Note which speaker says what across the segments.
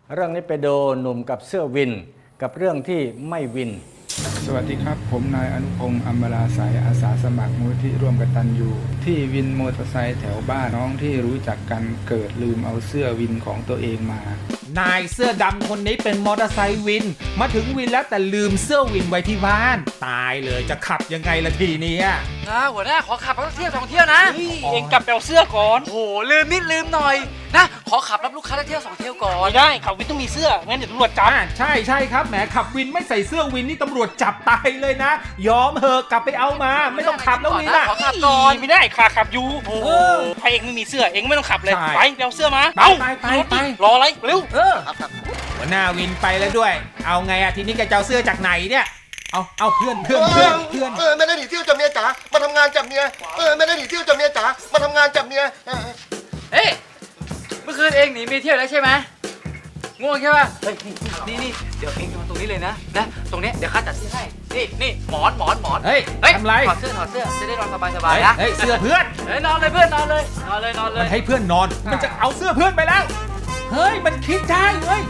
Speaker 1: เรื่องนี้ไปโดนหนุ่มกับเสื้อวินกับเรื่องที่ไม่วิน
Speaker 2: สวัสดีครับผมนายอนุพงษ์อมราสายอาสาสมัครมูลที่ร่วมกตัญญูที่วินมอเตอร์ไซค์แถวบ้านน้องที่รู้จักกันเกิดลืมเอาเสื้อวินของตัวเองมาน
Speaker 3: ายเสื้อดำคนนี้เป็นมอเตอร์ไซค์วินมาถึงวินแล้วแต่ลืมเสื้อวินไว้ที่บ้านตายเลยจะขับยังไงล่ะทีนี้
Speaker 4: หัวหน้าขอขับสักเที่ยว2 เที่ยวนะเองกลับไปเอาเสื้อก่อนโอ้ลืมนิดลืมหน่อยนะขอขับรับลูกค้าสักเที่ยว2 เที่ยวก่อนไม่ได้ขับวินต้องมีเสื้องั้นเดี๋ยวตำรวจจับ
Speaker 3: ใช่ครับแหมขับวินไม่ใส่เสื้อวินนี่ตำรวจจับตายเลยนะยอมเหอะกลับไปเอามาไม่ต้องขับแล้ววิน
Speaker 4: ขอขับก่อนไม่ได้ขาขับอยู่ใครเองไม่มีเสื้อเองไม่ต้องขับเลยไปเอาเสื้อมาไปรออะไรเร็ว
Speaker 3: หัวหน้าวินไปแล้วด้วยเอาไงทีนี้แกจะเอาเสื้อจากไหนเนี่ยเอาเพื่อน
Speaker 5: ไม่ได้หนีเที่ยวจากเมียจ๋ามาทำงานจากเมียไม่ได้หนีเที่ยวจากเมียจ๋ามาทำงานจากเมีย
Speaker 4: เฮ้ยเมื่อคืนเองหนีเมียเที่ยวแล้วใช่ไหมง่วงใช่ป่ะเฮ้ยนี่เดี๋ยวเองนอนตรงนี้เลยนะตรงนี้เดี๋ยวข้าจัดที่ให้นี่หมอน
Speaker 3: เฮ้ยทำไร
Speaker 4: ถอดเสื้อจะได้นอนสบายๆนะ
Speaker 3: เฮ้ยเสื้อเพื่อน
Speaker 4: นอนเลยเพื่อนนอนเลย
Speaker 3: มันให้เพื่อนนอนมันจะเอาเสื้อเพื่อนไปแล้วเฮ้ยมันคิดได้เว้ย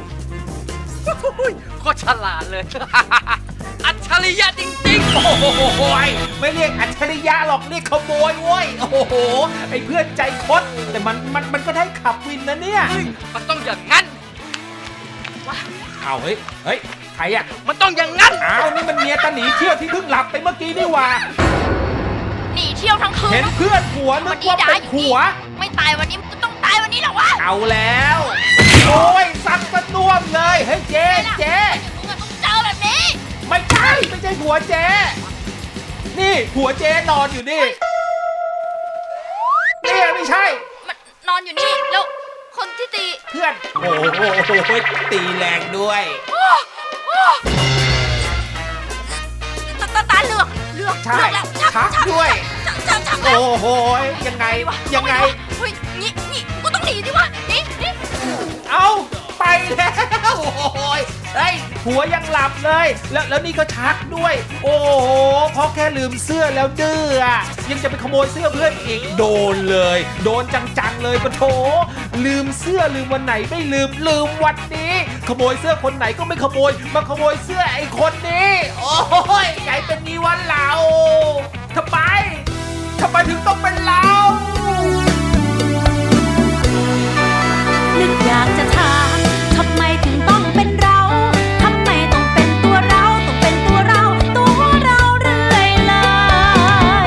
Speaker 4: ก็ฉลาดเลยอัจฉริยะจริงๆ
Speaker 3: โอ้โหไม่เรียกอัจฉริยะหรอกเรียกขโมยเว้ยโอ้โหไอ้เพื่อนใจคดแต่มันก็ได้ขับวินนะเนี่ย
Speaker 4: มันต้องอย่างงั้น
Speaker 3: เอาเฮ้ยใครอะ
Speaker 4: มันต้องอย่างงั้น
Speaker 3: นี่มันเมียตาหนีเที่ยวที่เพิ่งหลับไปเมื่อกี้นี่หว่า
Speaker 6: หนีเที่ยวทั้งคืน
Speaker 3: เห็นเพื่อนผัวนึกว่าเป็นผัว
Speaker 6: ไม่ตายวันนี้ก็ต้องตายวันนี้แหละวะ
Speaker 3: เอาแล้วโอ้ยซัดกระน่วมเลยเฮ้ยเจ๊
Speaker 6: มึงต้องเจอแบบนี้
Speaker 3: ไม่ใช่ผัวเจ๊นี่ผัวเจ๊นอนอยู่นี่ไม่ใช่
Speaker 6: มันนอนอยู่นี่แล้วคนที่ตี
Speaker 3: เพื่อนโอ้โหตีแรงด้วย
Speaker 6: ตาเหลือก
Speaker 3: ใช่ชักด้วยโอ้โหยังไง
Speaker 6: เฮ้ยนี่กูต้องหนีดิวะนี่
Speaker 3: เอาไปแล้วโอ้ยเฮ้ยหัวยังหลับเลยแล้วนี่ก็ชักด้วยโอ้โหเพราะแค่ลืมเสื้อแล้วดื้อยังจะไปขโมยเสื้อเพื่อนอีกโดนเลยโดนจังๆเลยปะโถลืมเสื้อลืมวันไหนไม่ลืมวันนี้ขโมยเสื้อคนไหนก็ไม่ขโมยมาขโมยเสื้อไอ้คนนี้โอ้ยใหญ่เป็นงี้วันเราทำไมถึงต้องเป็นเรา
Speaker 6: นึกอยากจะถามทำไมถึงต้องเป็นเราทำไมต้องเป็นตัวเราต้องเป็นตัวเราเรื่อยเลย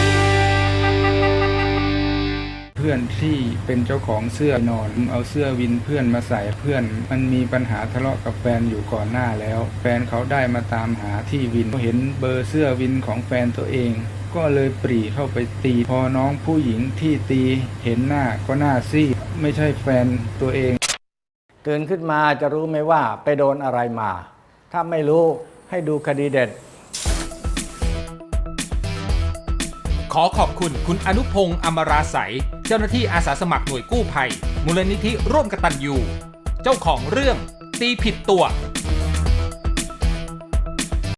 Speaker 2: เพื่อนที่เป็นเจ้าของเสื้อนอนเอาเสื้อวินเพื่อนมาใส่เพื่อนมันมีปัญหาทะเลาะกับแฟนอยู่ก่อนหน้าแล้วแฟนเขาได้มาตามหาที่วินเห็นเบอร์เสื้อวินของแฟนตัวเองก็เลยปรีเข้าไปตีพอน้องผู้หญิงที่ตีเห็นหน้าก็หน้าซีดไม่ใช่แฟนตัวเอง
Speaker 1: ตื่นขึ้นมาจะรู้ไหมว่าไปโดนอะไรมาถ้าไม่รู้ให้ดูคดีเด็ด
Speaker 3: ขอขอบคุณคุณอนุพงษ์อมราสายเจ้าหน้าที่อาสาสมัครหน่วยกู้ภัยมูลนิธิร่วมกตัญญูเจ้าของเรื่องตีผิดตัว